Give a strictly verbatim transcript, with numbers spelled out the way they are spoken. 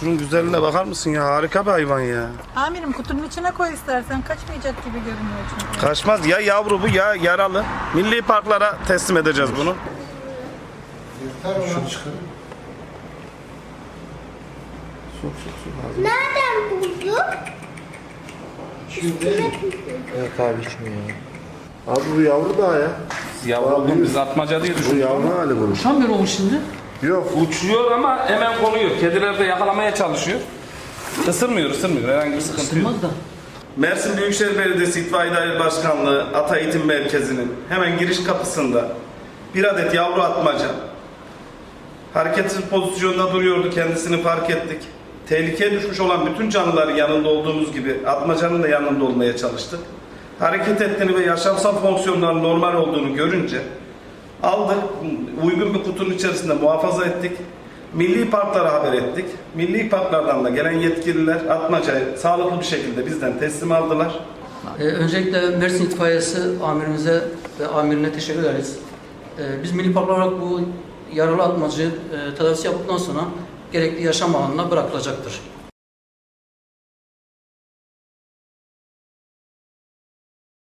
Şunun güzelliğine bakar mısın ya? Harika bir hayvan ya. Amirim kutunun içine koy istersen. Kaçmayacak gibi görünüyor çünkü. Kaçmaz ya, yavru bu ya yaralı. Milli parklara teslim edeceğiz bunu. Şunu çıkar. Sok sok sok. Nereden bulduk? Şimdi. Yok abi içmiyor ya. Abi bu yavru daha ya. Yavru Abi, biz atmaca diye Bu düşündük. yavru hali bunun. Uçamıyor olmuş şimdi. Yok. Uçuyor ama hemen konuyor. Kediler de yakalamaya çalışıyor. Isırmıyor, ısırmıyor. Herhangi bir sıkıntı yok. Isırmaz da. Mersin Büyükşehir Belediyesi İtfaiye Daire Başkanlığı Ata Eğitim Merkezi'nin hemen giriş kapısında bir adet yavru atmaca hareketsiz pozisyonda duruyordu. Kendisini fark ettik. Tehlikeye düşmüş olan bütün canlıların yanında olduğumuz gibi atmacanın da yanında olmaya çalıştık. Hareket ettiğini ve yaşamsal fonksiyonların normal olduğunu görünce aldık, uygun bir kutunun içerisinde muhafaza ettik. Milli parklara haber ettik. Milli parklardan da gelen yetkililer atmacayı sağlıklı bir şekilde bizden teslim aldılar. Ee, öncelikle Mersin İtfaiyesi amirimize ve amirine teşekkür ederiz. Ee, biz milli park olarak bu yaralı atmacı e, tedavisi yaptıktan sonra gerekli yaşam alanına bırakılacaktır.